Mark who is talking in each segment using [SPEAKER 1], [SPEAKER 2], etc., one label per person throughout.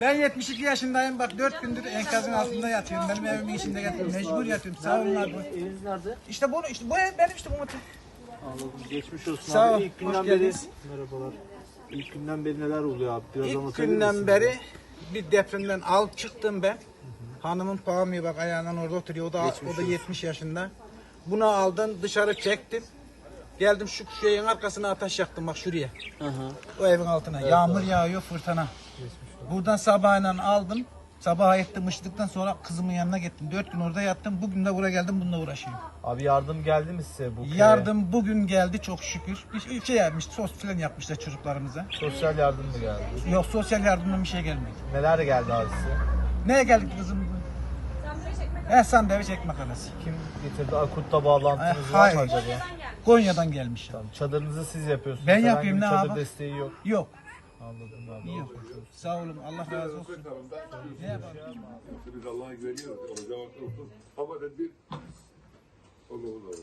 [SPEAKER 1] Ben 72 yaşındayım. Bak 4 gündür enkazın altında yatıyorum. Benim evimin içinde yatıyorum. Mecbur yatıyorum. Sağ olun abi.
[SPEAKER 2] Eviniz nerede?
[SPEAKER 1] İşte bu ev benim işte bu motor.
[SPEAKER 2] Anladım. Geçmiş olsun
[SPEAKER 1] Sağ ol,
[SPEAKER 2] abi. İlk günden
[SPEAKER 1] hoş
[SPEAKER 2] beri
[SPEAKER 1] geldiniz.
[SPEAKER 2] merhabalar. İlk günden beri neler oluyor abi? Biraz
[SPEAKER 1] İlk
[SPEAKER 2] anlatabilir
[SPEAKER 1] günden
[SPEAKER 2] misin?
[SPEAKER 1] beri bir depremden alıp çıktım ben. Hanımın pahamıyor bak ayağından orada oturuyor. O da 70 yaşında. Bunu aldım dışarı çektim. Geldim şu şeyin arkasına ateş yaktım bak şuraya.
[SPEAKER 2] Hı hı.
[SPEAKER 1] O evin altına. Yağmur yağıyor fırtına. Buradan sabahıyla aldım. Sabaha ettim ışıdıktan sonra kızımın yanına gittim. 4 gün orada yattım. Bugün de buraya geldim bununla uğraşıyorum.
[SPEAKER 3] Abi yardım geldi mi size bu köye?
[SPEAKER 1] Yardım bugün geldi çok şükür. Bir şey yapmış, sos filan yapmışlar çocuklarımıza.
[SPEAKER 3] Sosyal yardım mı geldi?
[SPEAKER 1] Yok sosyal yardımdan bir şey gelmedi.
[SPEAKER 3] Neler geldi abi size?
[SPEAKER 1] Neye geldik kızım? Sandviç ekmek arası.
[SPEAKER 3] Kim getirdi? Akut'ta bağlantınız var
[SPEAKER 1] Hayır.
[SPEAKER 3] mı acaba?
[SPEAKER 1] Konya'dan gelmiş.
[SPEAKER 3] Tamam. Çadırınızı siz yapıyorsunuz.
[SPEAKER 1] Ben
[SPEAKER 3] Herhangi
[SPEAKER 1] yapayım,
[SPEAKER 3] bir
[SPEAKER 1] ne
[SPEAKER 3] çadır
[SPEAKER 1] abi?
[SPEAKER 3] desteği yok.
[SPEAKER 1] Yok.
[SPEAKER 3] Anladım abi.
[SPEAKER 1] Yok. Sağ olun. Allah razı olsun. Ne yapalım?
[SPEAKER 4] Biz Allah'a güveniyoruz. Olacağı olsun. Ama tedbir olur.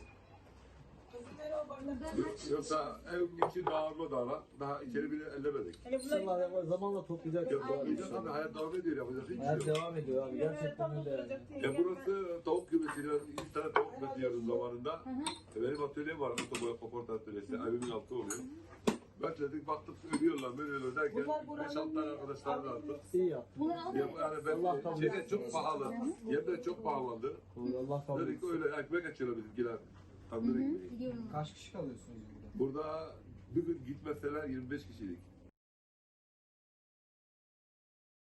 [SPEAKER 4] Yoksa ev içi dağılma dağlar. Daha içeri bile ellemedik.
[SPEAKER 2] Zamanla toplayacak.
[SPEAKER 4] Dağılmayacak abi. Hayat devam ediyor. Yapacak hiçbir şey
[SPEAKER 2] Hayat
[SPEAKER 4] yok.
[SPEAKER 2] devam ediyor abi. Gerçekten öyle yani.
[SPEAKER 4] Burası tavuk kümesiyle 2 tane tavuk kümesi yarın zamanında. Benim atölyem var. Otoboya atölyesi. Evimin altı oluyor. Bekledik baktık ölüyorlar derken 5-6 tane arkadaşlar da attık.
[SPEAKER 2] İyi yaptın.
[SPEAKER 4] Yani ben şeyde çok pahalı. Yemler çok pahalandı.
[SPEAKER 2] Allah kabul
[SPEAKER 4] Dedik öyle ekmek açıyorlar bizimkiler. Tandır ekmeği.
[SPEAKER 5] Kaç kişi kalıyorsunuz burada?
[SPEAKER 4] Burada bir gün gitmeseler 25 kişilik.